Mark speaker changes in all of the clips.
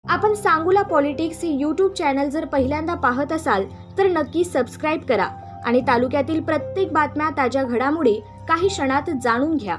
Speaker 1: आपण सांगोला पॉलिटिक्स हे YouTube channel जर पहिल्यांदा पाहत असाल तर नक्की सबस्क्राईब करा आणि तालुक्यातील प्रत्येक बातम्या ताज्या घडामोडी काही क्षणात जाणून घ्या.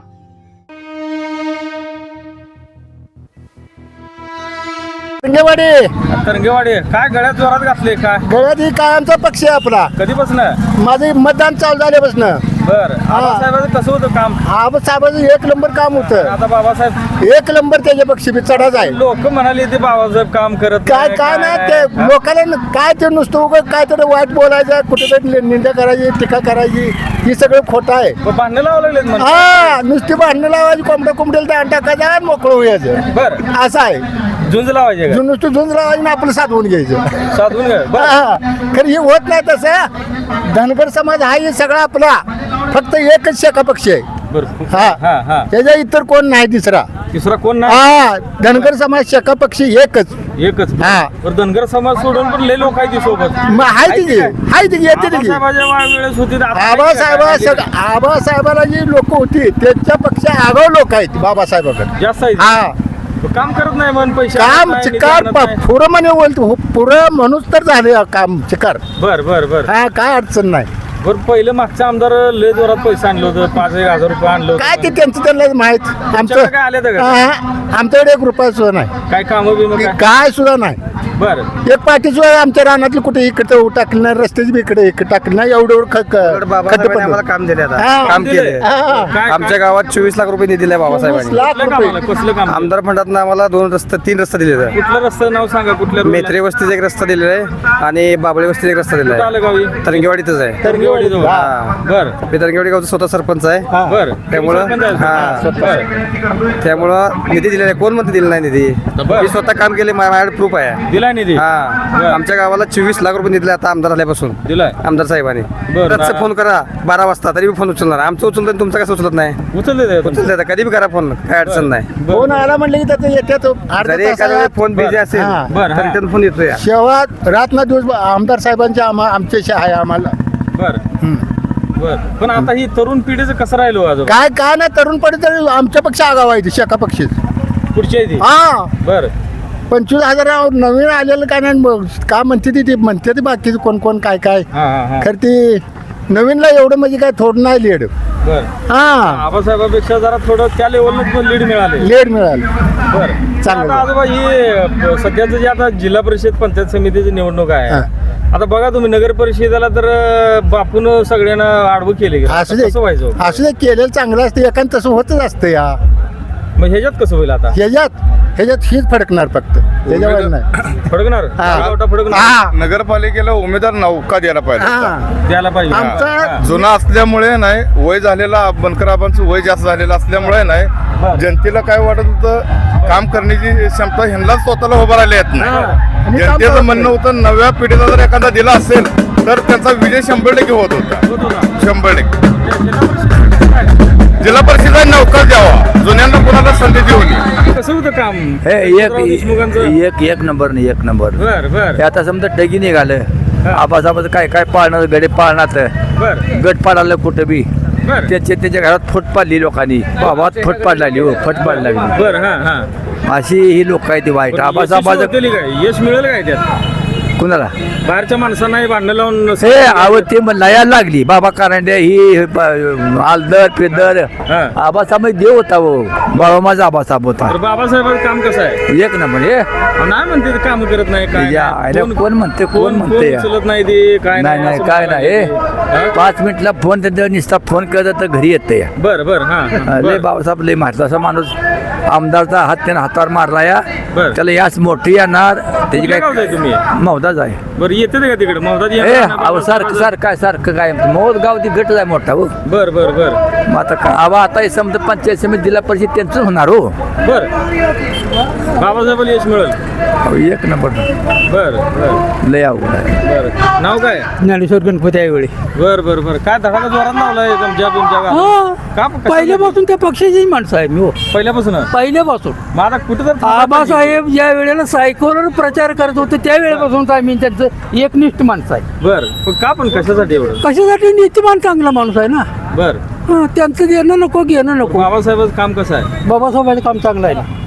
Speaker 2: तरंगेवाडी काय गळ्यात जोरात घातले काय
Speaker 3: गळ्यात ही कायमचा पक्ष आहे आपला.
Speaker 2: कधीपासून?
Speaker 3: माझे मतदान चालू झाल्यापासून.
Speaker 2: बर बाबासाहेबांचं कसं होतं काम?
Speaker 3: साहेबांचं एक नंबर काम होतं.
Speaker 2: आता बाबासाहेब
Speaker 3: एक नंबर त्याच्या पक्ष बी चढा जाय.
Speaker 2: लोक म्हणाले ते बाबासाहेब काम करत
Speaker 3: काय काय नाही ते लोकांना काय ते नुसतं उगाच काय तरी वाईट बोलायचं, कुठेतरी निंदा करायची, टीका करायची, ही सगळं खोटं आहे.
Speaker 2: भांडणं लावं लागलेत म्हणजे.
Speaker 3: हा नुसती भांडणं लावायची, कोंबड्याला दाण टाकायचं आणि मोकळं व्हायचं.
Speaker 2: बर
Speaker 3: असं आहे.
Speaker 2: झुंज लावायचे का?
Speaker 3: नुसतं झुंज लावायची आणि आपलं साधवून घ्यायचं.
Speaker 2: साधून घ्या. बर
Speaker 3: हा खरं हे होत नाही तसं. धनगर समाज हा हे सगळा आपला फक्त एकच शाखा पक्ष आहे.
Speaker 2: बर
Speaker 3: हा
Speaker 2: हा हा
Speaker 3: त्याच्या इतर कोण नाही दुसरा.
Speaker 2: तिसरा कोण नाही?
Speaker 3: हा धनगर समाज शाखा पक्ष एकच.
Speaker 2: एकच.
Speaker 3: हा.
Speaker 2: पण धनगर समाज सोडून पण लय लोक आहेत ती सोबत.
Speaker 3: मग हाय तिघी हाय तिघी येते तिघी.
Speaker 2: बाबासाहेबाच्या वेळेस होती तर आता नाही काय?
Speaker 3: आबासाहेबाला जी लोक होती त्यांच्या पक्ष आगाव लोक आहेत बाबासाहेबाकडे.
Speaker 2: जास्त आहे.
Speaker 3: हा
Speaker 2: काम करत नाही म्हण, पैसे
Speaker 3: काम चिकार पुरं म्हणे बोलतो पुरं म्हणूच तर झाले काम चिकार.
Speaker 2: बर बर बर
Speaker 3: हा काय अडचण नाही.
Speaker 2: बरं पहिलं मागच्या आमदार लय जोरात पैसे आणलं होतं, 5,000 रुपये आणलं होतं.
Speaker 3: काय ते त्यांचं त्यांना माहित.
Speaker 2: तुमच्याकडे काय आले होतं का?
Speaker 3: हा, आमच्याकडे एक रुपया सुद्धा नाही.
Speaker 2: काय काम बिम काय?
Speaker 3: काय सुद्धा नाही.
Speaker 2: बर
Speaker 3: एक पाठी सुद्धा आमच्या रानातली कुठे इकडे टाकलं नाही, रस्त्याची बी इकडे टाकलं नाही. एवढं
Speaker 4: बाबासाहेबांनी आम्हाला काम दिले आता.
Speaker 3: हा.
Speaker 4: काम केले.
Speaker 2: काय
Speaker 4: आमच्या गावात 24 लाख रुपये निधी दिलाय बाबासाहेबांनी.
Speaker 2: कुठलं काम आलं? कसलं काम?
Speaker 4: आमदार फंडातनं आम्हाला 3 रस्ते दिले.
Speaker 2: कुठलं रस्ता नाव सांगा? कुठल्या road ला?
Speaker 4: मेत्रे वस्तीचा एक रस्ता दिलेला आहे आणि बाबळे वस्तीचा एक रस्ता
Speaker 2: कुठं
Speaker 4: दिलेला
Speaker 2: आलं गावी?
Speaker 4: आहे. तरंगेवाडीतच आहे.
Speaker 2: तरंगेवाडी जवळ.
Speaker 4: हा.
Speaker 2: बर
Speaker 4: मी तरंगेवाडी गावचा स्वतः सरपंच आहे.
Speaker 2: बर
Speaker 4: त्यामुळं त्यामुळं निधी दिलेला आहे. कोण म्हणते दिला नाही निधी?
Speaker 2: बरं.
Speaker 4: मी स्वतः काम केले, माझ्याकडे प्रूफ आहे.
Speaker 2: दिलाय निधी?
Speaker 4: हा आमच्या गावाला 24 लाख रुपये निधी दिले आता आमदार झाल्यापासून.
Speaker 2: दिलाय.
Speaker 4: आमदार साहेबांनी
Speaker 2: बरं.
Speaker 4: कसं फोन करा 12 वाजता तरी फोन उचलणार. आमचं उचलत नाही, तुमचं कसं उचलत नाही?
Speaker 2: उचलले
Speaker 4: उचलत कधी बी करा फोन, काय अडचण नाही.
Speaker 3: फोन आला म्हणलं की त्याचं येतात
Speaker 4: जरी एखाद्या वेळी फोन बिझी असेल
Speaker 3: हा.
Speaker 2: बरं,
Speaker 4: तरी
Speaker 2: हा.
Speaker 4: त्यातून फोन येतोय.
Speaker 3: शेवट रात ना दिवस आमदार साहेबांच्या आमच्याशी आहे आम्हाला.
Speaker 2: बर बर. पण आता ही तरुण पिढीचं कसं राहिलो आज?
Speaker 3: काय काय नाही तरुण पडे तरी आमच्या पक्ष आगाव आहे शाखा पक्ष.
Speaker 2: पुढची आहे ती?
Speaker 3: हा
Speaker 2: बर
Speaker 3: 25,000 नवीन आलेलं काय नाही. मग का म्हणते ती म्हणते ती बाकीचं कोण कोण काय काय.
Speaker 2: हा हा हा.
Speaker 3: खरं ती नवीनला एवढं म्हणजे काय थोडं नाही लीड.
Speaker 2: बर
Speaker 3: हा
Speaker 2: आबासाहेबापेक्षा जरा थोडं त्या लेवलला लीड मिळाले.
Speaker 3: लीड मिळालं.
Speaker 2: बर
Speaker 3: चांगलं.
Speaker 2: आता आजोबा ही सध्याचं जे आता जिल्हा परिषद पंचायत समितीची निवडणूक आहे, आता बघा तुम्ही नगर परिषदेला तर बापून सगळ्यांना आडवं केले.
Speaker 3: असू दे
Speaker 2: कसं व्हायचं?
Speaker 3: असू दे केलेलं चांगलं असतं. एकान तसं होतच असतं. या
Speaker 2: मग ह्याच्यात कसं होईल आता?
Speaker 3: ह्याच्यात हीच फडकणार फक्त त्याच्यावर नाही.
Speaker 2: फडकणार?
Speaker 3: हा.
Speaker 2: फडकणार
Speaker 3: हा
Speaker 5: नगरपालिकेला उमेदवार नौका द्यायला पाहिजे.
Speaker 3: हा
Speaker 2: द्यायला पाहिजे.
Speaker 3: आमचा
Speaker 2: हा.
Speaker 5: जुना असल्यामुळे नाही, वय झालेला बनकराबांचं वय जास्त झालेलं असल्यामुळे नाही, जनतेला काय वाटत होतं काम करण्याची क्षमता ह्यांनाच स्वतःला उभं राहिले येत नाही.
Speaker 3: आणि काम
Speaker 5: जनतेचं
Speaker 3: करत
Speaker 5: म्हणणं होतं नव्या पिढीला जर एखादा दिला असेल तर त्यांचा विजय 100% होत होता.
Speaker 2: होत होता.
Speaker 5: 100%. जिल्हा परिषदेला नौका द्यावा, जुन्यांना कोणाला संधी देऊ नये.
Speaker 2: कसं होतं काम?
Speaker 6: हे
Speaker 2: राव देशमुखांचं?
Speaker 6: एक नंबर नाही, एक नंबर.
Speaker 2: बर बर
Speaker 6: हे आता समजा डगी निघालं आबासाबाचं काय काय पाळणार गडे पाळणार
Speaker 2: बर
Speaker 6: गट पाडायला कुठं बी
Speaker 2: बर
Speaker 6: त्याच्या घरात फट पाडली लोकांनी. बाबात फट पाड लागली हो, फट पाड लागली.
Speaker 2: बर. हा हा.
Speaker 6: अशी ही लोक आहे ती वाईट.
Speaker 2: पण
Speaker 6: आबासाबाचं
Speaker 2: यशस्वी होतील काय? यश मिळेल काय त्यात?
Speaker 6: कुणाला
Speaker 2: बाहेरच्या माणसांनाही भांडणं लावून
Speaker 6: हे आवड ते लयाला लागली. बाबा कारंडे ही आलदर पेदर
Speaker 2: हा.
Speaker 6: आबासाहेब देव होता हो. बाबा माझा आबासाहेब होता
Speaker 2: तर बाबासाहेबांचं काम कसं आहे?
Speaker 6: एक नंबर. हे
Speaker 2: नाही म्हणते ते काम करत नाही काय
Speaker 6: या,
Speaker 2: नाही.
Speaker 6: आयला कोण म्हणते, कोण म्हणते या?
Speaker 2: उचलत नाही ते काय
Speaker 6: नाही नाही
Speaker 2: असं
Speaker 6: काय
Speaker 2: म्हणायला
Speaker 6: नाही.
Speaker 2: लागले. हा?
Speaker 6: 5 मिनिटला फोन त्यांचा नुसता फोन करत तर घरी येते या.
Speaker 2: बर बर. हा हा.
Speaker 6: लय
Speaker 2: बर.
Speaker 6: बाबासाहेब लय मारला असा माणूस. आमदारचा हात त्यानं हातावर मारला या.
Speaker 2: बर.
Speaker 6: त्याला याच मोठी येणार त्याची
Speaker 2: कुठल्या गावचं आहे तुम्ही?
Speaker 6: मौदाच आहे.
Speaker 2: बरं येते ते का तिकडे मौदाजी?
Speaker 6: ए अहो सारखं काय मौद गाव ती गट आहे मोठा हो.
Speaker 2: बर बर बर
Speaker 6: मग आता आवा आता हे समजा पंचायत समिती जिल्हा परिषद त्यांचं होणार हो.
Speaker 2: बर. बाबासाहेबाला यश मिळेल.
Speaker 6: अहो, एक नंबर.
Speaker 2: बर बर
Speaker 6: लय अवघड आहे.
Speaker 2: बर. नाव काय?
Speaker 7: ज्ञानेश्वर गणपती ऐवळे.
Speaker 2: बर बर बर. काय धडाका जोरात लावलाय तुमच्या का?
Speaker 7: पहिल्यापासून त्या पक्षाचीच माणसं आहे मी हो.
Speaker 2: पहिल्यापासून
Speaker 7: पहिल्यापासून
Speaker 2: मग आता कुठं तर
Speaker 7: आबासाहेब ज्या वेळेला सायकोवर प्रचार करत होते त्या वेळेपासून आम्ही त्यांचं एकनिष्ठ माणसं आहे.
Speaker 2: बर. पण का पण कशासाठी एवढं?
Speaker 7: कशासाठी नीतिमान चांगला माणूस आहे ना.
Speaker 2: बर.
Speaker 7: त्यांचं देणं नको घेणं नको.
Speaker 2: बाबासाहेबांचं काम कसं आहे?
Speaker 7: बाबासाहेबांचं काम चांगलं आहे ना.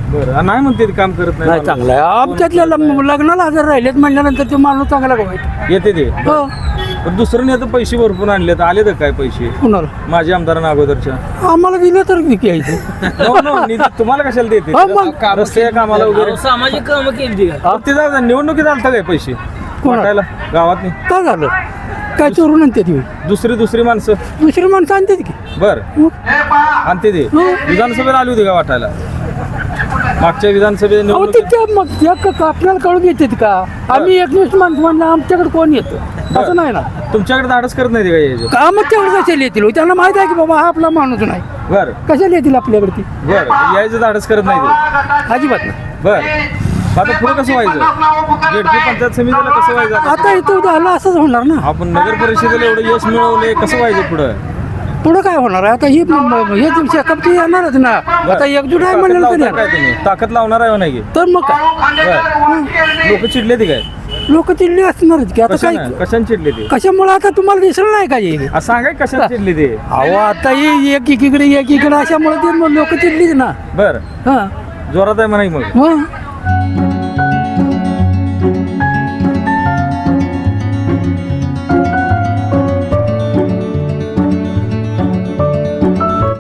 Speaker 2: बरं नाही म्हणते ते काम करत
Speaker 7: नाही
Speaker 2: नाही
Speaker 7: चांगलं आहे आमच्यातल्या लग्नाला हजर राहिलेत म्हणल्यानंतर ते माणूस चांगला का वाईट
Speaker 2: येते ते
Speaker 7: हो
Speaker 2: पण दुसरं नाही तर पैसे भरपूर आणले तर आले तर काय पैसे
Speaker 7: कुणाला
Speaker 2: माझ्या आमदारांना अगोदरच्या
Speaker 7: आम्हाला दिलं तर घ्यायचं
Speaker 2: No, no, निधी तुम्हाला कशाला देते
Speaker 7: हो, मग.
Speaker 2: रस्ते कामाला वगैरे
Speaker 8: सामाजिक कामं केली
Speaker 2: ते जाऊ द्या, निवडणुकीत आलता काय पैसे वाटायला गावात नाही
Speaker 7: काय झालं काय चोरून आणते ती
Speaker 2: दुसरी माणसं
Speaker 7: दुसरी माणसं आणते की
Speaker 2: बर आणते ते विधानसभेला आली होती का वाटायला मागच्या विधानसभेत
Speaker 7: अहो
Speaker 2: निवडणुकीत
Speaker 7: ते मग आपल्याला कळून येतात का आम्ही एकवीस माणसं म्हणलं आमच्याकडे कोण येतं असं नाही ना
Speaker 2: तुमच्याकडे धाडस करत नाही ते काय यायचं
Speaker 7: का मग तेवढं कशाला येतील हो? त्यांना माहित आहे की बाबा हा आपला माणूस नाही
Speaker 2: बर
Speaker 7: कशाला येतील आपल्याकडे ती
Speaker 2: बर यायचं धाडस करत नाही ते
Speaker 7: अजिबात नाही
Speaker 2: बर आता पुढे कसं व्हायचं जेडपी पंचायत समितीला कसं व्हायचं
Speaker 7: आता इथं झालं असंच होणार ना
Speaker 2: आपण नगर परिषदेला एवढं यश मिळवलंय कसं व्हायचं पुढं
Speaker 7: पुढं काय होणार आहे आता हे चेकअप येणारच ना आता एकजूट आहे म्हणलं
Speaker 2: ताकद
Speaker 7: तरी
Speaker 2: लावताय काय तुम्ही ताकद लावणार आहे नाही
Speaker 7: तर मग काय
Speaker 2: लोक चिडले ते काय
Speaker 7: लोक चिडली असणारच की आता काय
Speaker 2: कशाने चिडले ते
Speaker 7: कशामुळे आता तुम्हाला दिसलं नाही का हे
Speaker 2: सांगाय कशाने चिडले ते
Speaker 7: अहो आता हे एक एकीकडे अशामुळे ते लोक चिडलीच ना
Speaker 2: बर
Speaker 7: हा
Speaker 2: जोरात आहे म्हणा की मग
Speaker 7: मग